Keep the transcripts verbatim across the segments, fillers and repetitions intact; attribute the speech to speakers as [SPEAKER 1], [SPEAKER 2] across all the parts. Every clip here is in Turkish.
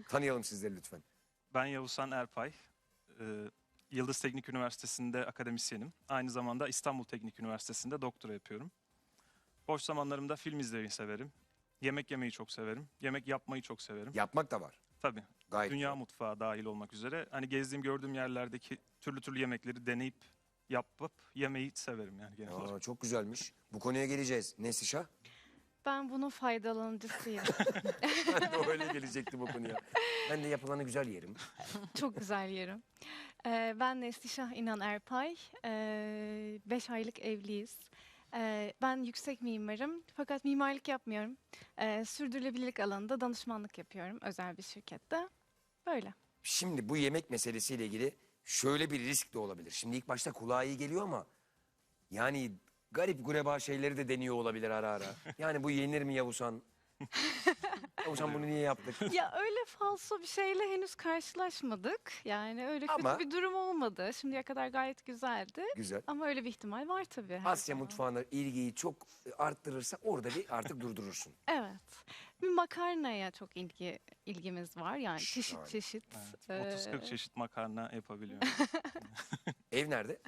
[SPEAKER 1] Tanıyalım sizleri lütfen.
[SPEAKER 2] Ben Yavuzhan Erpay. Ee, Yıldız Teknik Üniversitesi'nde akademisyenim. Aynı zamanda İstanbul Teknik Üniversitesi'nde doktora yapıyorum. Boş zamanlarımda film izlemeyi severim. Yemek yemeyi çok severim. Yemek yapmayı çok severim.
[SPEAKER 1] Yapmak da var.
[SPEAKER 2] Tabii.
[SPEAKER 1] Gayet
[SPEAKER 2] Dünya
[SPEAKER 1] güzel.
[SPEAKER 2] mutfağı dahil olmak üzere. Hani gezdiğim, gördüğüm yerlerdeki türlü türlü yemekleri deneyip yapıp yemeyi severim yani genel olarak.
[SPEAKER 1] Aa, çok güzelmiş. Bu konuya geleceğiz. Neslişah?
[SPEAKER 3] Ben bunun faydalanıcısıyım.
[SPEAKER 1] Ben de öyle gelecektim bu konuya. Ben de yapılanı güzel yerim.
[SPEAKER 3] Çok güzel yerim. Ee, ben Neslişah İnan Erpay. Ee, beş aylık evliyiz. Ee, ben yüksek mimarım fakat mimarlık yapmıyorum. Ee, sürdürülebilirlik alanında danışmanlık yapıyorum özel bir şirkette. Böyle.
[SPEAKER 1] Şimdi bu yemek meselesiyle ilgili şöyle bir risk de olabilir. Şimdi ilk başta kulağa iyi geliyor ama yani garip gureba şeyleri de deniyor olabilir ara ara. Yani bu yenir mi Yavuzhan? Yavuzhan bunu niye yaptık?
[SPEAKER 3] Ya öyle falso bir şeyle henüz karşılaşmadık. Yani öyle kötü
[SPEAKER 1] Ama-
[SPEAKER 3] bir durum olmadı. Şimdiye kadar gayet güzeldi.
[SPEAKER 1] Güzel.
[SPEAKER 3] Ama öyle bir ihtimal var tabii. her
[SPEAKER 1] Asya
[SPEAKER 3] zaman.
[SPEAKER 1] mutfağına ilgiyi çok arttırırsa orada bir artık durdurursun.
[SPEAKER 3] Evet. Bir makarnaya çok ilgi ilgimiz var. Yani çeşit
[SPEAKER 1] Şahane.
[SPEAKER 3] çeşit.
[SPEAKER 2] Evet, otuz kırk
[SPEAKER 3] Ee,
[SPEAKER 2] çeşit makarna yapabiliyorum.
[SPEAKER 1] Ev nerede?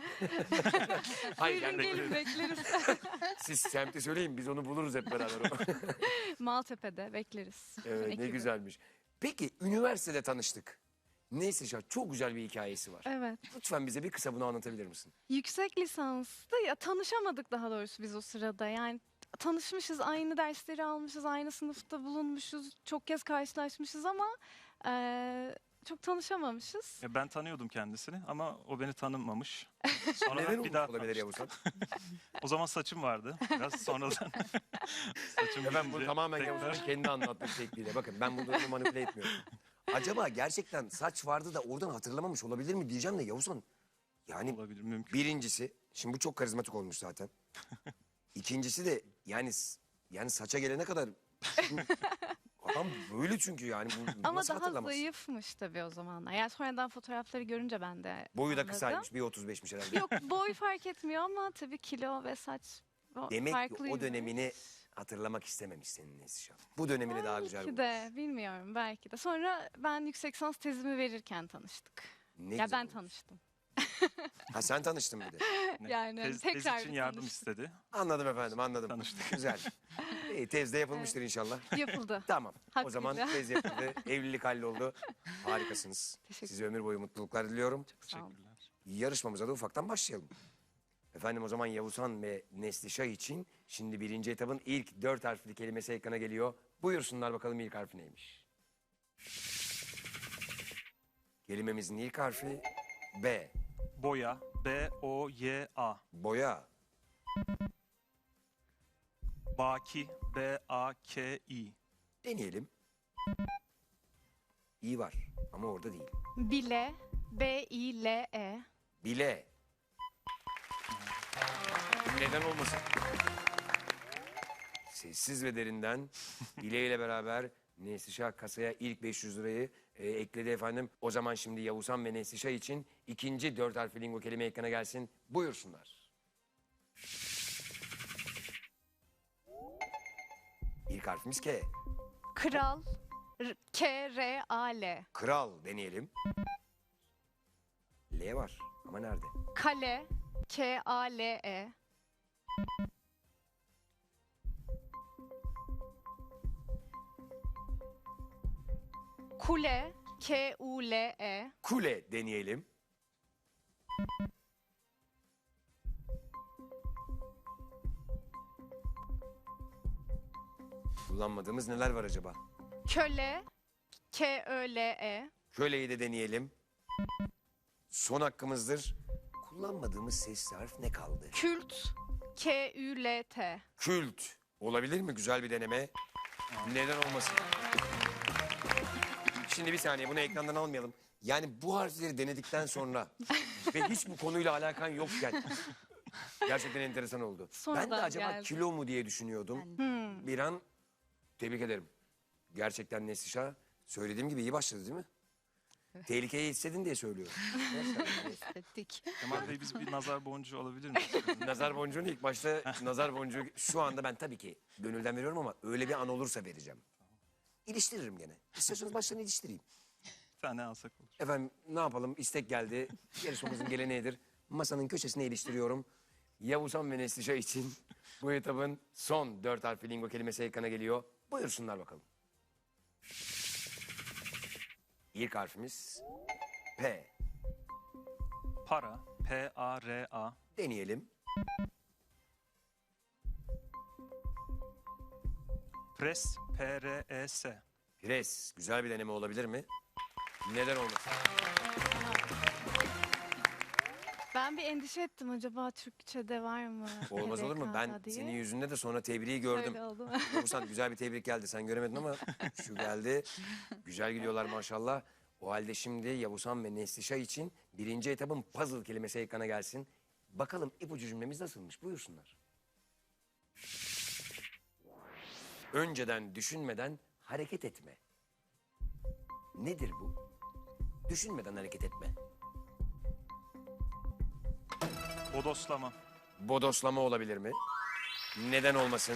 [SPEAKER 1] Hayır
[SPEAKER 3] Buyurun
[SPEAKER 1] yani
[SPEAKER 3] gelin bekleriz.
[SPEAKER 1] siz semti söyleyin biz onu buluruz hep beraber.
[SPEAKER 3] Maltepe'de bekleriz.
[SPEAKER 1] Evet, ne
[SPEAKER 3] Ekibi.
[SPEAKER 1] güzelmiş. Peki üniversitede tanıştık. Neyse Şah, çok güzel bir hikayesi var.
[SPEAKER 3] Evet.
[SPEAKER 1] Lütfen bize bir kısa bunu anlatabilir misin?
[SPEAKER 3] Yüksek lisansta ya tanışamadık daha doğrusu biz o sırada. Yani tanışmışız, aynı dersleri almışız, aynı sınıfta bulunmuşuz, çok kez karşılaşmışız ama eee, çok tanışamamışız.
[SPEAKER 2] Ya ben tanıyordum kendisini ama o beni tanımamış. Sonra
[SPEAKER 1] Neden
[SPEAKER 2] bir
[SPEAKER 1] olmuş
[SPEAKER 2] daha
[SPEAKER 1] olabilir
[SPEAKER 2] tanıştık.
[SPEAKER 1] Yavuzhan?
[SPEAKER 2] O zaman saçım vardı. Biraz sonradan saçım
[SPEAKER 1] Ya ben bunu
[SPEAKER 2] bitince
[SPEAKER 1] tamamen
[SPEAKER 2] tekrar-
[SPEAKER 1] Yavuzhan'ın kendi anlattığı şekliyle. Bakın ben bu durumu manipüle etmiyorum. Acaba gerçekten saç vardı da oradan hatırlamamış olabilir mi diyeceğim de Yavuzhan. Yani
[SPEAKER 2] olabilir, mümkün.
[SPEAKER 1] birincisi, şimdi bu çok karizmatik olmuş zaten. İkincisi de yani yani saça gelene kadar adam böyle çünkü yani bu,
[SPEAKER 3] Ama
[SPEAKER 1] nasıl
[SPEAKER 3] daha
[SPEAKER 1] hatırlamaz?
[SPEAKER 3] zayıfmış tabii o zamanlar. Yani sonradan fotoğrafları görünce ben de
[SPEAKER 1] Boyu da
[SPEAKER 3] anladım.
[SPEAKER 1] kısaymış, bir otuz beşmiş herhalde.
[SPEAKER 3] Yok boy fark etmiyor ama tabii kilo ve saç o
[SPEAKER 1] Demek ki o
[SPEAKER 3] farklıymış.
[SPEAKER 1] dönemini hatırlamak istememiş senin Neslihan. Bu dönemini daha güzel
[SPEAKER 3] Belki
[SPEAKER 1] bulmuş.
[SPEAKER 3] de bilmiyorum belki de. Sonra ben yüksek lisans tezimi verirken tanıştık.
[SPEAKER 1] Ne
[SPEAKER 3] ya
[SPEAKER 1] güzel
[SPEAKER 3] ben
[SPEAKER 1] olmuş.
[SPEAKER 3] tanıştım.
[SPEAKER 1] Ha sen tanıştın bir de.
[SPEAKER 2] Ne?
[SPEAKER 3] Yani
[SPEAKER 2] tez,
[SPEAKER 3] tekrar
[SPEAKER 2] tez için
[SPEAKER 3] bir
[SPEAKER 2] yardım
[SPEAKER 3] tanıştık.
[SPEAKER 2] istedi.
[SPEAKER 1] Anladım efendim, anladım.
[SPEAKER 2] Tanıştık.
[SPEAKER 1] Güzel. İyi, tezde yapılmıştır inşallah.
[SPEAKER 3] Yapıldı.
[SPEAKER 1] Tamam. O
[SPEAKER 3] Hakkıyla.
[SPEAKER 1] zaman tez yapıldı, evlilik halloldu. Harikasınız.
[SPEAKER 3] Teşekkür
[SPEAKER 1] Size ömür boyu mutluluklar diliyorum.
[SPEAKER 3] Sağ olun.
[SPEAKER 2] Teşekkürler.
[SPEAKER 1] Yarışmamıza da ufaktan başlayalım. Efendim o zaman Yavuzhan ve Neslişah için şimdi birinci etabın ilk dört harfli kelimesi ekrana geliyor. Buyursunlar bakalım ilk harfi neymiş? Kelimemizin ilk harfi B.
[SPEAKER 2] Boya. B O Y A.
[SPEAKER 1] Boya.
[SPEAKER 2] Baki. B A K I.
[SPEAKER 1] Deneyelim. İyi var ama orada değil.
[SPEAKER 3] Bile. B I L E.
[SPEAKER 1] Bile. Neden olmasın? Sessiz ve derinden Bile ile beraber Neslişah kasaya ilk beş yüz lirayı e, ekledi efendim. O zaman şimdi Yavuzhan ve Neslişah için ikinci dört harfli lingo kelime ekrana gelsin. Buyursunlar. İlk harfimiz K.
[SPEAKER 3] Kral. R- K R A L.
[SPEAKER 1] Kral deneyelim. L var ama nerede?
[SPEAKER 3] Kale. K A L E. Kule. K U L E.
[SPEAKER 1] Kule deneyelim. Kullanmadığımız neler var acaba?
[SPEAKER 3] Köle. K Ö L E.
[SPEAKER 1] Köleyi de deneyelim. Son hakkımızdır. Kullanmadığımız sesli harf ne kaldı?
[SPEAKER 3] Kült. K Ü L T.
[SPEAKER 1] Kült. Olabilir mi? Güzel bir deneme. Neden olmasın? Şimdi bir saniye bunu ekrandan almayalım. Yani bu harfleri denedikten sonra ve hiç bu konuyla alakan yokken gerçekten enteresan oldu.
[SPEAKER 3] Sonradan
[SPEAKER 1] ben de acaba
[SPEAKER 3] geldi.
[SPEAKER 1] kilo mu diye düşünüyordum. Bir an tebrik ederim. Gerçekten Neslişah söylediğim gibi iyi başladı değil mi? Tehlikeyi hissedin diye söylüyorum.
[SPEAKER 3] Ettik.
[SPEAKER 2] Kemal Bey biz bir nazar boncuğu alabilir miyiz?
[SPEAKER 1] Nazar boncuğunu ilk başta nazar boncuğu şu anda ben tabii ki gönülden veriyorum ama öyle bir an olursa vereceğim. İliştiririm gene. İstiyorsanız baştan iliştireyim.
[SPEAKER 2] Bir tane alsak olur.
[SPEAKER 1] Efendim ne yapalım? İstek geldi. Yarışmamızın geleneğidir. Masanın köşesine iliştiriyorum. Yavuzhan ve Neslişah için bu etabın son dört harfli lingo kelimesi ekrana geliyor. Buyursunlar bakalım. İlk harfimiz P.
[SPEAKER 2] Para. P A R A.
[SPEAKER 1] Deneyelim.
[SPEAKER 2] Pres. P R E S.
[SPEAKER 1] Pres. Güzel bir deneme olabilir mi? Neden olmasın?
[SPEAKER 3] Ben bir endişe ettim, acaba Türkçe'de var mı?
[SPEAKER 1] Olmaz olur mu? Ben
[SPEAKER 3] P R K diye.
[SPEAKER 1] senin yüzünde de sonra tebriği gördüm.
[SPEAKER 3] Öyle oldu.
[SPEAKER 1] Yavuzhan güzel bir tebrik geldi. Sen göremedin ama şu geldi. Güzel gidiyorlar maşallah. O halde şimdi Yavuzhan ve Neslişah için birinci etapın puzzle kelimesi ekrana gelsin. Bakalım ipucu cümlemiz nasılmış? Buyursunlar. Önceden düşünmeden hareket etme. Nedir bu? Düşünmeden hareket etme.
[SPEAKER 2] Bodoslama.
[SPEAKER 1] Bodoslama olabilir mi? Neden olmasın?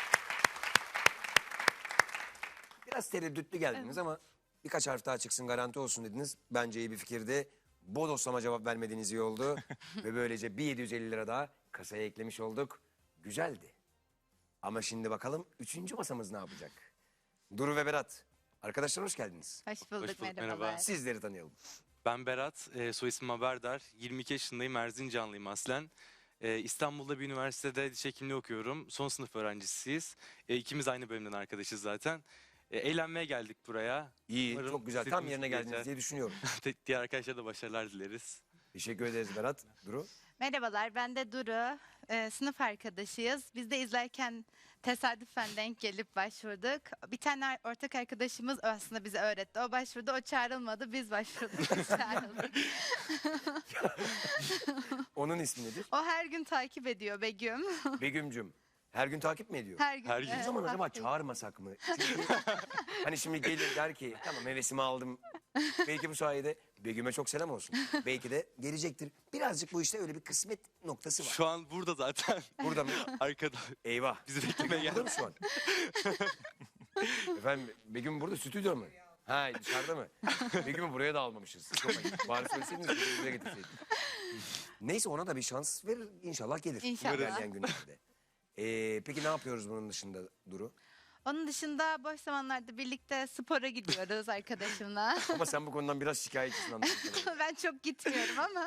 [SPEAKER 1] Biraz tereddütlü geldiniz ama birkaç harf daha çıksın garanti olsun dediniz. Bence iyi bir fikirdi. Bodoslama cevap vermediğiniz iyi oldu. Ve böylece bir yedi yüz elli lira daha kasaya eklemiş olduk. Güzeldi. Ama şimdi bakalım üçüncü masamız ne yapacak? Duru ve Berat. Arkadaşlar hoş geldiniz.
[SPEAKER 4] Hoş bulduk,
[SPEAKER 5] Hoş bulduk,
[SPEAKER 4] merhabalar.
[SPEAKER 5] merhaba.
[SPEAKER 1] Sizleri tanıyalım.
[SPEAKER 5] Ben Berat, e, soy ismim Haberdar. yirmi iki yaşındayım, Erzincanlıyım aslen. E, İstanbul'da bir üniversitede diş hekimliği okuyorum. Son sınıf öğrencisiyiz. E, ikimiz aynı bölümden arkadaşız zaten. E, eğlenmeye geldik buraya.
[SPEAKER 1] İyi,
[SPEAKER 5] Umarım
[SPEAKER 1] çok güzel. Tam
[SPEAKER 5] istediğimiz
[SPEAKER 1] yerine
[SPEAKER 5] gibi
[SPEAKER 1] geldiniz
[SPEAKER 5] geçer.
[SPEAKER 1] diye düşünüyorum.
[SPEAKER 5] Diğer arkadaşlara da başarılar dileriz.
[SPEAKER 1] Teşekkür ederiz Berat. Duru.
[SPEAKER 4] Merhabalar, ben de Duru. Ee, sınıf arkadaşıyız. Biz de izlerken tesadüfen denk gelip başvurduk. Bir tane ar- ortak arkadaşımız aslında bize öğretti. O başvurdu, o çağrılmadı. Biz başvurduk, biz çağrıldık.
[SPEAKER 1] Onun ismi nedir?
[SPEAKER 4] O her gün takip ediyor Begüm.
[SPEAKER 1] Begüm'cüm. Her gün takip mi ediyor?
[SPEAKER 4] Her gün.
[SPEAKER 5] Her gün.
[SPEAKER 1] O
[SPEAKER 4] evet,
[SPEAKER 1] zaman acaba
[SPEAKER 4] haftayı-
[SPEAKER 1] çağırmasak mı? Çünkü hani şimdi gelir der ki tamam hevesimi aldım. Belki bu sayede Begüm'e çok selam olsun. Belki de gelecektir. Birazcık bu işte öyle bir kısmet noktası var.
[SPEAKER 5] Şu an burada zaten.
[SPEAKER 1] Burada mı?
[SPEAKER 5] Arkada.
[SPEAKER 1] Eyvah.
[SPEAKER 5] Bizi beklemeye
[SPEAKER 1] Burada
[SPEAKER 5] geldi.
[SPEAKER 1] mı şu an? Efendim Begüm burada stüdyo mu? Ha dışarıda mı? Begüm'ü buraya da almamışız. Çok ayıp. Bari söyleseydiniz Begüm'ü buraya getirseydik. Neyse ona da bir şans verir. İnşallah gelir.
[SPEAKER 4] İnşallah.
[SPEAKER 1] İlerleyen günlerde. Ee, peki ne yapıyoruz bunun dışında Duru?
[SPEAKER 4] Onun dışında boş zamanlarda birlikte spora gidiyoruz arkadaşımla.
[SPEAKER 1] Ama sen bu konudan biraz şikayetçisin anladığım kadarıyla.
[SPEAKER 4] Ben çok gitmiyorum ama.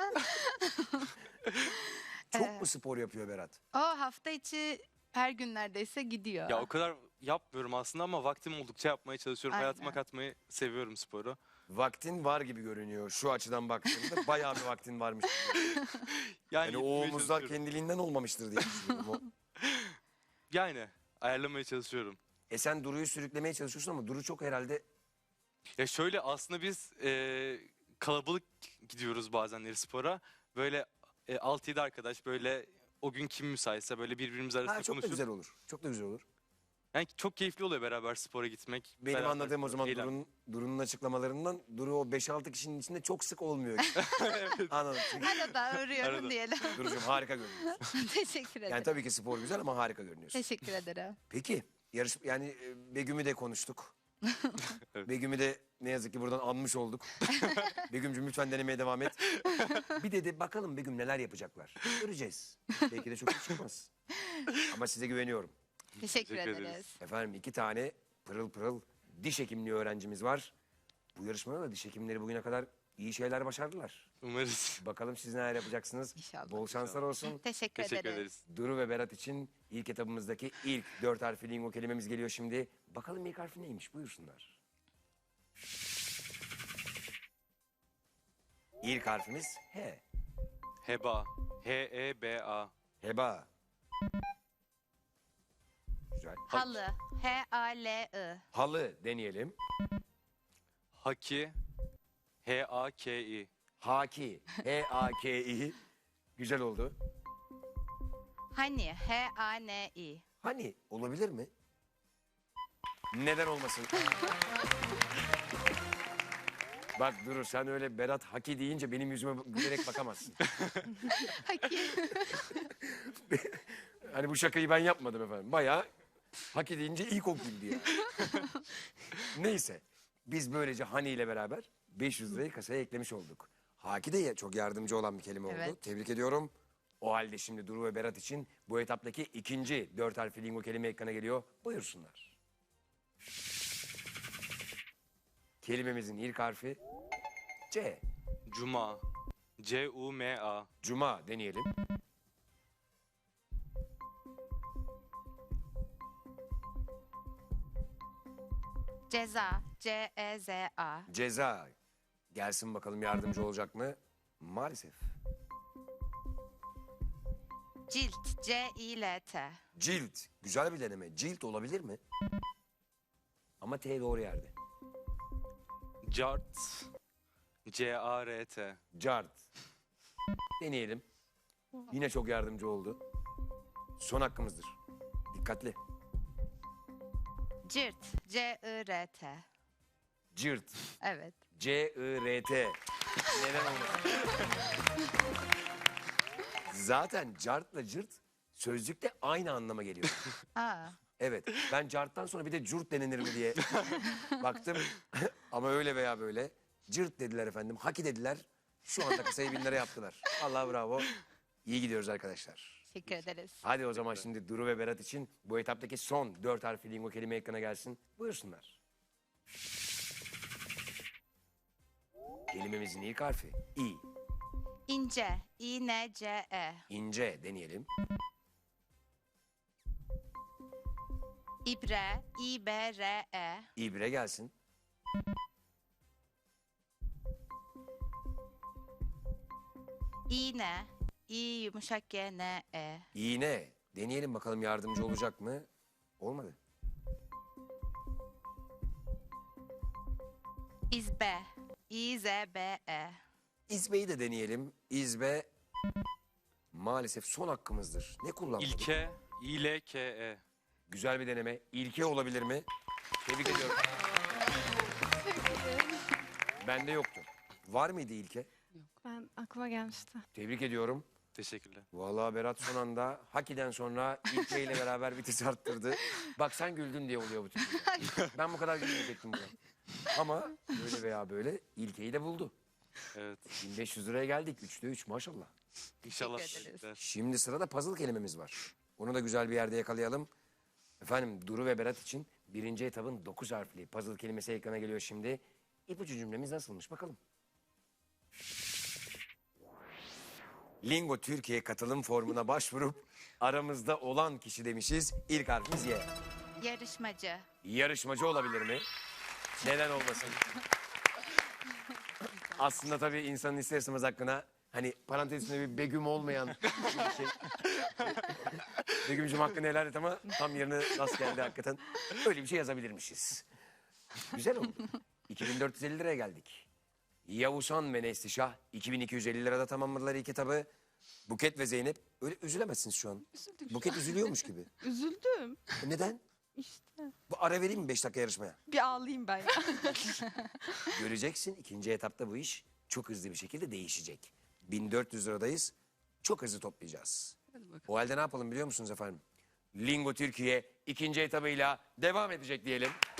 [SPEAKER 1] Çok mu spor yapıyor Berat?
[SPEAKER 4] O hafta içi her gün neredeyse gidiyor.
[SPEAKER 5] Ya o kadar yapmıyorum aslında ama vaktim oldukça yapmaya çalışıyorum.
[SPEAKER 4] Aynen.
[SPEAKER 5] Hayatıma katmayı seviyorum sporu.
[SPEAKER 1] Vaktin var gibi görünüyor şu açıdan baktığımda. Bayağı bir vaktin varmış gibi.
[SPEAKER 5] Yani,
[SPEAKER 1] Yani o
[SPEAKER 5] gitmeye
[SPEAKER 1] omuzlar
[SPEAKER 5] çalışıyorum.
[SPEAKER 1] kendiliğinden olmamıştır diye düşünüyorum. O-
[SPEAKER 5] Yani ayarlamaya çalışıyorum.
[SPEAKER 1] E sen Duru'yu sürüklemeye çalışıyorsun ama Duru çok herhalde
[SPEAKER 5] Ya şöyle aslında biz e, kalabalık gidiyoruz bazenleri spora. Böyle e, altı yedi arkadaş böyle o gün kim müsaitse böyle birbirimiz arasında
[SPEAKER 1] ha, çok da
[SPEAKER 5] konuşup.
[SPEAKER 1] güzel olur. Çok da güzel olur.
[SPEAKER 5] Yani çok keyifli oluyor beraber spora gitmek.
[SPEAKER 1] Benim
[SPEAKER 5] beraber
[SPEAKER 1] anladığım o zaman
[SPEAKER 5] eğlen-
[SPEAKER 1] Duru'nun Duru'nun açıklamalarından Duru o beş altı kişinin içinde çok sık olmuyor. Anladım. Çünkü
[SPEAKER 4] Arada uğruyorum
[SPEAKER 5] Arada.
[SPEAKER 4] diyelim.
[SPEAKER 1] Duru'cum harika görünüyorsun.
[SPEAKER 4] Teşekkür ederim.
[SPEAKER 1] Yani tabii ki spor güzel ama harika görünüyorsun.
[SPEAKER 4] Teşekkür ederim.
[SPEAKER 1] Peki yarış yani e, Begüm'ü de konuştuk.
[SPEAKER 5] Evet.
[SPEAKER 1] Begüm'ü de ne yazık ki buradan anmış olduk. Begüm'cüm lütfen denemeye devam et. Bir de, de bakalım Begüm neler yapacaklar. Göreceğiz. Belki de çok iyi çıkmaz. Ama size güveniyorum.
[SPEAKER 4] Teşekkür,
[SPEAKER 5] Teşekkür
[SPEAKER 4] ederiz.
[SPEAKER 5] ederiz.
[SPEAKER 1] Efendim iki tane pırıl pırıl diş hekimliği öğrencimiz var. Bu yarışmada da diş hekimleri bugüne kadar iyi şeyler başardılar.
[SPEAKER 5] Umarız.
[SPEAKER 1] Bakalım siz neler yapacaksınız.
[SPEAKER 4] İnşallah.
[SPEAKER 1] Bol şanslar olsun.
[SPEAKER 4] Teşekkür,
[SPEAKER 5] Teşekkür
[SPEAKER 4] ederiz.
[SPEAKER 5] ederiz.
[SPEAKER 1] Duru ve Berat için ilk etabımızdaki ilk dört harfli lingo kelimemiz geliyor şimdi. Bakalım ilk harfi neymiş buyursunlar. İlk harfimiz H.
[SPEAKER 5] Heba. H E B A.
[SPEAKER 1] Heba. Güzel. Ha-
[SPEAKER 4] Halı. H A L I.
[SPEAKER 1] Halı deneyelim.
[SPEAKER 5] Haki. H A K I.
[SPEAKER 1] Haki. H A K I. Güzel oldu.
[SPEAKER 4] Hani. H A N I.
[SPEAKER 1] Hani olabilir mi? Neden olmasın? Bak Duru sen öyle Berat Haki deyince benim yüzüme gülerek bakamazsın.
[SPEAKER 4] Haki.
[SPEAKER 1] Hani bu şakayı ben yapmadım efendim. Bayağı Haki deyince ilk o güldü ya. Neyse. Biz böylece Hani ile beraber beş yüz lirayı kasaya eklemiş olduk. Haki de çok yardımcı olan bir kelime oldu.
[SPEAKER 4] Evet.
[SPEAKER 1] Tebrik ediyorum. O halde şimdi Duru ve Berat için bu etaptaki ikinci dört harfli lingo kelime ekrana geliyor. Buyursunlar. Kelimemizin ilk harfi C.
[SPEAKER 5] Cuma. C U M A.
[SPEAKER 1] Cuma deneyelim.
[SPEAKER 4] Ceza. C E Z A.
[SPEAKER 1] Ceza. Gelsin bakalım yardımcı olacak mı? Maalesef.
[SPEAKER 4] Cilt. C I L T.
[SPEAKER 1] Cilt. Güzel bir deneme. Cilt olabilir mi? Ama T doğru yerde.
[SPEAKER 5] Cart. C A R T.
[SPEAKER 1] Cart. Deneyelim. Yine çok yardımcı oldu. Son hakkımızdır. Dikkatli.
[SPEAKER 4] Cirt. C I R T.
[SPEAKER 1] Cırt.
[SPEAKER 4] Evet.
[SPEAKER 1] C I R T. Neden olmasın? Zaten cartla cırt sözlükte aynı anlama geliyor.
[SPEAKER 4] Aa.
[SPEAKER 1] Evet. Ben carttan sonra bir de cürt denilir mi diye baktım. Ama öyle veya böyle. Cırt dediler efendim. Haki dediler. Şu anda kasayı bin lira yaptılar. Allah bravo. İyi gidiyoruz arkadaşlar.
[SPEAKER 4] Teşekkür ederiz.
[SPEAKER 1] Hadi o zaman şimdi Duru ve Berat için bu etaptaki son dört harfli lingo kelime ekrana gelsin. Buyursunlar. Kelimemizin ilk harfi İ.
[SPEAKER 4] İnce. İ N C E.
[SPEAKER 1] İnce deneyelim.
[SPEAKER 4] İbre. İ B R E.
[SPEAKER 1] İbre gelsin.
[SPEAKER 4] İğne. İ yumuşak G N E.
[SPEAKER 1] İğne. Deneyelim bakalım yardımcı olacak mı? Olmadı.
[SPEAKER 4] İzbe. İ Z B E.
[SPEAKER 1] İzbe'yi de deneyelim. İzbe maalesef son hakkımızdır. Ne kullanmadık?
[SPEAKER 5] İlke. İ L K E.
[SPEAKER 1] Güzel bir deneme. İlke olabilir mi? Tebrik ediyorum. Bende yoktu. Var mıydı ilke?
[SPEAKER 3] Ben aklıma gelmişti.
[SPEAKER 1] Tebrik ediyorum.
[SPEAKER 5] Teşekkürler.
[SPEAKER 1] Vallahi Berat son anda Haki'den sonra İlke ile beraber vites arttırdı. Bak sen güldün diye oluyor bu tip şeyler. Ben bu kadar gülmeyecektim buna. Ama böyle veya böyle İlke'yi de buldu.
[SPEAKER 5] Evet.
[SPEAKER 1] bin beş yüz liraya geldik. Üçte üç maşallah.
[SPEAKER 5] İnşallah.
[SPEAKER 4] Teşekkür ederiz.
[SPEAKER 5] eder.
[SPEAKER 1] Şimdi sırada puzzle kelimemiz var. Onu da güzel bir yerde yakalayalım. Efendim Duru ve Berat için birinci etabın dokuz harfli puzzle kelimesi ekrana geliyor şimdi. İpucu cümlemiz nasılmış bakalım. Lingo Türkiye katılım formuna başvurup aramızda olan kişi demişiz. İlk harfimiz Y.
[SPEAKER 4] Yarışmacı.
[SPEAKER 1] Yarışmacı olabilir mi? Neden olmasın? Aslında tabii insanın ister istemez hakkına hani parantez içinde bir Begüm olmayan bir şey. Begüm'cüm hakkını helal et ama tam yerine nasıl geldi hakikaten. Öyle bir şey yazabilirmişiz. Güzel oldu. iki bin dört yüz elli liraya geldik. Yavuzhan ve Neslişah iki bin iki yüz elli lirada tamamladılar ilk etabı. Buket ve Zeynep öyle üzülemezsiniz şu an.
[SPEAKER 3] Üzüldüm.
[SPEAKER 1] Buket üzülüyormuş gibi.
[SPEAKER 3] Üzüldüm.
[SPEAKER 1] E Neden?
[SPEAKER 3] İşte.
[SPEAKER 1] Bu ara vereyim mi beş dakika yarışmaya?
[SPEAKER 3] Bir ağlayayım ben.
[SPEAKER 1] Göreceksin ikinci etapta bu iş çok hızlı bir şekilde değişecek. bin dört yüz liradayız. Çok hızlı toplayacağız. O halde ne yapalım biliyor musunuz efendim? Lingo Türkiye ikinci etabıyla devam edecek diyelim.